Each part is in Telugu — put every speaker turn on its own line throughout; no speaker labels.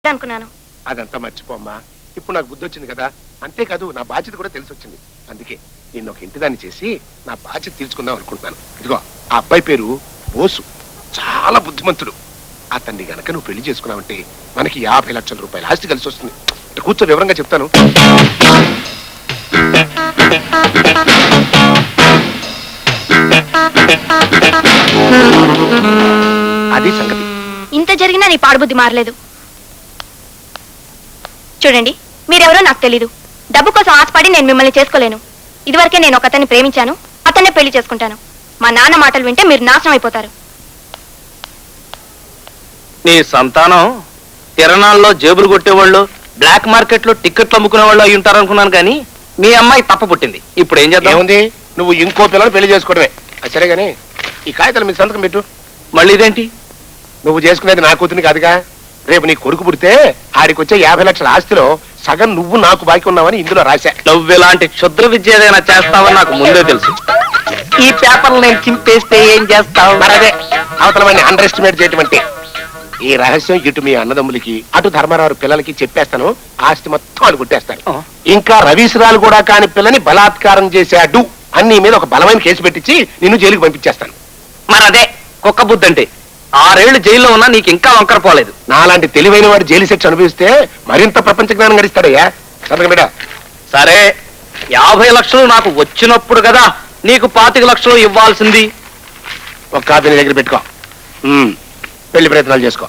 అనుకున్నాను.
అదంతా మర్చిపోమ్మా. ఇప్పుడు నాకు బుద్ధి వచ్చింది కదా, అంతేకాదు నా బాధ్యత కూడా తెలిసి వచ్చింది. అందుకే నేను ఒక ఇంటిదాన్ని చేసి నా బాధ్యత తీర్చుకుందాం అనుకుంటున్నాను. ఇదిగో ఆ అబ్బాయి పేరు బోసు, చాలా బుద్ధిమంతుడు. అతన్ని గనక నువ్వు పెళ్లి చేసుకున్నావంటే మనకి 50 లక్షల రూపాయల ఆస్తి కలిసి వస్తుంది. కూర్చో, వివరంగా చెప్తాను. అది సంగతి.
ఇంత జరిగినా నీ పాడుబుద్ధి మారలేదు. చూడండి, మీరెవరో నాకు తెలీదు. డబ్బు కోసం ఆశపడి నేను మిమ్మల్ని చేసుకోలేను. ఇదివరకే నేను ఒక అతన్ని ప్రేమించాను, అతన్నే పెళ్లి చేసుకుంటాను. మా నాన్న మాటలు వింటే మీరు నాశనం అయిపోతారు.
నీ సంతానం తిరణాల్లో జేబులు కొట్టేవాళ్ళు, బ్లాక్ మార్కెట్ లో టికెట్లు అమ్ముకునే వాళ్ళు అయి ఉంటారనుకున్నాను, కానీ మీ అమ్మాయి తప్ప పుట్టింది. ఇప్పుడు ఏం చేద్దాం?
ఏముంది, నువ్వు ఇంకో పిల్లలు పెళ్లి చేసుకోవడమే. సరే గానీ ఈ కాగితాలు మీ సంతకం పెట్టు.
మళ్ళీ ఇదేంటి?
నువ్వు చేసుకునేది నా కూతుని కాదుగా. రేపు నీ కొడుకు పుడితే ఆడికొచ్చే 50 లక్షల ఆస్తిలో సగం నువ్వు నాకు బాకీ ఉన్నావని ఇందులో రాశా.
నువ్వు ఇలాంటి క్షుద్ర విద్య ఏదైనా చేస్తావని నాకు ముందే తెలుసు. ఈ పేపర్లు నేను చింపేస్తే ఏం చేస్తావు?
మరదే అవతల వాడిని అండర్ ఎస్టిమేట్ చేయటం అంటే. ఈ రహస్యం ఇటు మీ అన్నదమ్ములకి అటు ధర్మారావు పిల్లలకి చెప్పేస్తాను. ఆస్తి మొత్తం అని కొట్టేస్తాను. ఇంకా రవీశ్రాలు కూడా కాని పిల్లని బలాత్కారం చేశాడు అన్ని మీద ఒక బలమైన కేసు పెట్టించి నిన్ను జైలుకి పంపించేస్తాను.
మరదే కుక్క బుద్ధి అంటే. 6 ఏళ్లు జైల్లో ఉన్నా నీకు ఇంకా వంకర పోలేదు.
నాలాంటి తెలివైన వాడు జైలు శిక్ష అనుభవిస్తే మరింత ప్రపంచ జ్ఞానం గడిస్తాడయ్యా. సంతకం బిడ్డ.
సరే, 50 లక్షలు నాకు వచ్చినప్పుడు కదా నీకు 25 లక్షలు ఇవ్వాల్సింది.
ఒక కాపీ నీ దగ్గర పెట్టుకో. పెళ్లి ప్రయత్నాలు చేసుకో.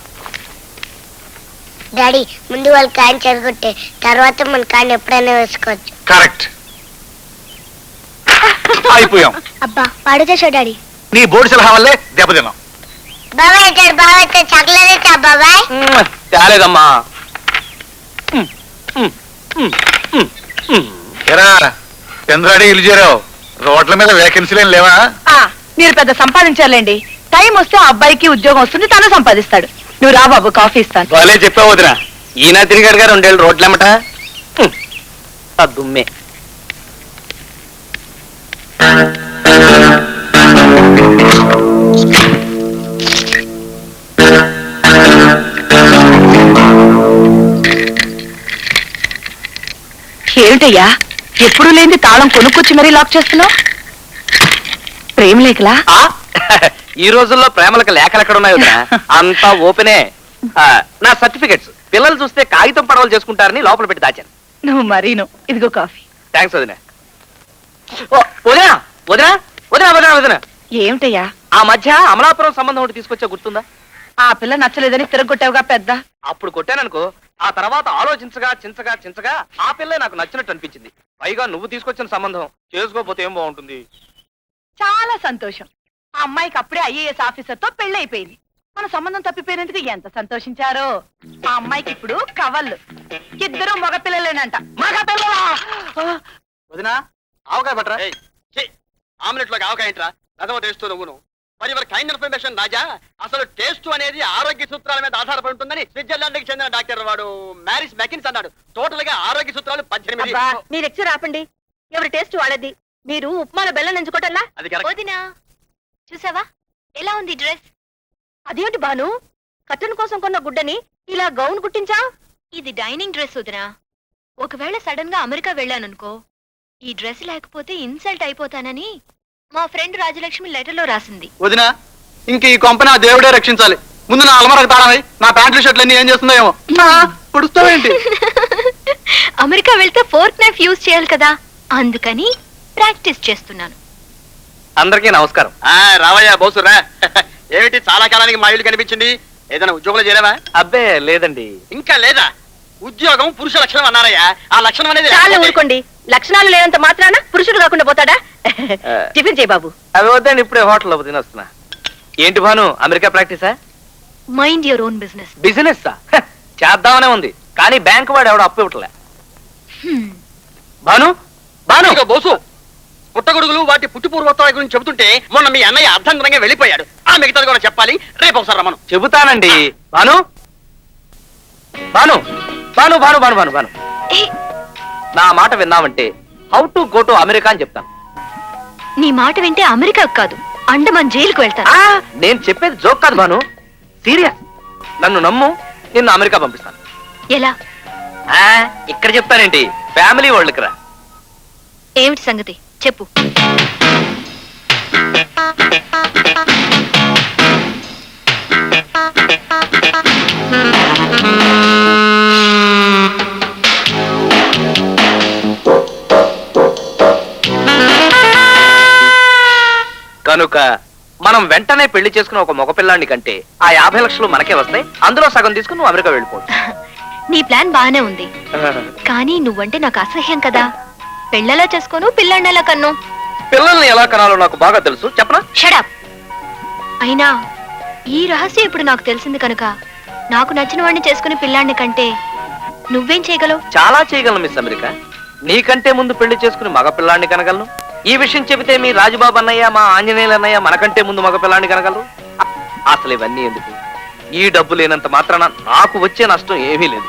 డాడీ, ముందు వాళ్ళు కాయని చెడగొట్టే తర్వాత మన కాయని ఎప్పుడైనా వేసుకోవచ్చు.
కరెక్ట్.
అయిపోయాం.
అబ్బా, పాడు చేసావు డాడీ.
నీ బోర్డు సలహా వల్లే దెబ్బతిన్నాం.
బాబాయ్ వచ్చాడు, బాబాయ్ వచ్చాడు. చాక్లెట్ ఇచ్చా బాబాయ్?
తేలేదమ్మా.
చంద్రాడి ఇల్లు చేరావు. రోడ్ల మీద వేకెన్సీలేం లేవా?
మీరు పెద్ద సంపాదించాలండి. టైం వస్తే ఆ అబ్బాయికి ఉద్యోగం వస్తుంది, తను సంపాదిస్తాడు. నువ్వు రా బాబు, కాఫీ ఇస్తాను.
వాళ్ళే చెప్పావు వదిన. ఈయన తిరిగాడు గారు 2 ఏళ్ళు రోడ్లెమ్మట. దుమ్మే.
ఏమిటయ్యా, ఎప్పుడు లేని తాళం కొనుక్కొచ్చి మరీ లాక్ చేస్తున్నావు? ప్రేమ లేఖలా?
ఈ రోజుల్లో ప్రేమలకు లేఖలు ఎక్కడ ఉన్నాయి వదిన? అంతా ఓపెనే. నా సర్టిఫికెట్స్ పిల్లలు చూస్తే కాగితం పడవలు చేసుకుంటారని లోపల పెట్టి దాచాను.
నువ్వు మరీను. ఇదిగో కాఫీ.
థ్యాంక్స్ వదిన. వదిన వదిన వదిన వదిన వదిన
ఏమిటయ్యా?
ఆ మధ్య అమలాపురం సంబంధం ఒకటి తీసుకొచ్చా, గుర్తుందా?
ఆ పిల్ల నచ్చలేదని తిరగొట్టావుగా పెద్ద.
అప్పుడు కొట్టాననుకో, ఆ తర్వాత ఆలోచించగా చించగా చించగా ఆ పిల్లే నాకు నచ్చినట్టు అనిపించింది. పైగా నువ్వు తీసుకొచ్చిన సంబంధం చేసుకోకపోతే ఏం బాగుంటుంది.
చాలా సంతోషం. ఆ అమ్మాయికి అప్పుడే IAS ఆఫీసర్ తో పెళ్ళైపోయింది. మన సంబంధం తప్పిపోయినందుకు ఎంత సంతోషించారో. ఆ అమ్మాయికి ఇప్పుడు కవళ్ళు. 2 మగపిల్లలేనంట.
వదినా, ఆవకాయ పట్టరా. ఆమ్లెట్ లోకి ఆవకాయ ఏంట్రా? అదవ టేస్ట్ నువ్వును. మరి ఎవరి కైండ్ ఇన్ఫర్మేషన్ రాజా, అసలు టేస్ట్ అనేది ఆరోగ్య సూత్రాల మీద ఆధారపడి ఉంటుందని స్విట్జర్లాండ్ కి చెందిన డాక్టర్ వాడు మ్యారిస్ మెకిన్స్ అన్నాడు. టోటల్ గా ఆరోగ్య సూత్రాలు 18.
మీరు ఎక్చర్ ఆపండి. ఎవరి టేస్ట్ వాళ్ళది. మీరు ఉప్మాలో బెల్లం ఎంచుకోవటల్లా?
అది కరెక్ట్.
వదినా, చూసావా ఎలా ఉంది డ్రెస్?
అదేంటి బాను, కట్టన్ కోసం కొన్న గుడ్డని ఇలా గౌన్ కుట్టించా?
ఇది డైనింగ్ డ్రెస్ వదినా. ఒకవేళ సడన్ గా అమెరికా వెళ్ళాననుకో, ఈ డ్రెస్ లేకపోతే ఇన్సల్ట్ అయిపోతానని మా ఫ్రెండ్ రాజలక్ష్మి లెటర్ లో రాసింది.
వదినా, ఇంక ఈ కొంపని ఆ దేవుడే రక్షించాలి. ముందు నా అలమరకు తాళమై నా ప్యాంట్లు షర్ట్లు అన్ని ఏం చేస్తుందో ఏమో. పుడుస్తావేంటి?
అమెరికా వెళ్తే ఫోర్క్ నైఫ్ యూజ్ చేయాలి కదా, అందుకని ప్రాక్టీస్ చేస్తున్నాను.
అందరికీ నమస్కారం. రావయ్యా బోసురా. ఏమిటి చాలా కాలానికి మా ఇల్లు కనిపించింది? ఏదైనా ఉద్యోగంలో చేరావా? అబ్బే లేదండి. ఇంకా లేదా? ఉద్యోగం పురుష లక్షణం అన్నారయ్యా. ఆ లక్షణం అనేది
చాలా ఊరుకోండి. లక్షణాలు లేనంత మాత్రాన పురుషుడు కాకుండా పోతాడా? టిఫిన్ చేయి బాబు.
అవి వద్దండి, ఇప్పుడే హోటల్లో తినొస్తున్నా. ఏంటి భాను, అమెరికా ప్రాక్టీసా?
Mind your own business.
Business చేద్దామనే ఉంది, కానీ బ్యాంక్ వాడు ఎవడో అప్పు ఇవ్వట్లే. భాను భాను బోసు, పుట్టగొడుగులు వాటి పుట్టుపూర్వోత్తరాల గురించి చెబుతుంటే మొన్న మీ అన్నయ్య అర్ధంతరంగా వెళ్ళిపోయాడు. ఆ మిగతాది కూడా చెప్పాలి. రేపు ఒకసారి రమ్మను. చెబుతానండి. భాను భాను భాను భాను భాను భాను భాను నా మాట విన్నామంటే how to go to America అని చెప్తాను.
నీ మాట వింటే అమెరికా కాదు, అండమాన్ జైలుకు వెళ్తాను.
నేను చెప్పేది జోక్ కాదు భాను, సీరియస్. నన్ను నమ్ము, నిన్ను అమెరికా పంపిస్తాను.
ఎలా?
ఇక్కడ చెప్తానేంటి, ఫ్యామిలీ వాళ్ళకి రా.
ఏమిటి సంగతి చెప్పు.
కనుక మనం వెంటనే పెళ్లి చేసుకున్న ఒక మగపిల్లాన్ని కంటే ఆ 50 లక్షలు మనకే వస్తాయి. అందులో సగం తీసుకుని నువ్వు అమెరికా వెళ్ళిపోవచ్చు.
నీ ప్లాన్ బాగానే ఉంది, కానీ నువ్వంటే నాకు అసహ్యం కదా. పెళ్ళలా చేసుకోను, పిల్లాన్నెలా కన్ను.
పిల్లల్ని ఎలా కనాలో నాకు బాగా తెలుసు, చెప్పనా?
షడప్. అయినా ఈ రహస్యం ఇప్పుడు నాకు తెలిసింది కనుక నాకు నచ్చిన వాడిని చేసుకుని పిల్లాన్ని కంటే నువ్వేం చేయగలవు?
చాలా చేయగలను మిస్ అమెరికా. నీకంటే ముందు పెళ్లి చేసుకుని మగ పిల్లాన్ని కనగలను. ఈ విషయం చెబితే మీ రాజుబాబు అన్నయ్య, మా ఆంజనేయులు అన్నయ్య మనకంటే ముందు మగ పిల్లాన్ని కనగలరు. అసలు ఇవన్నీ ఎందుకు? ఈ డబ్బు లేనంత మాత్రాన నాకు వచ్చే నష్టం ఏమీ లేదు.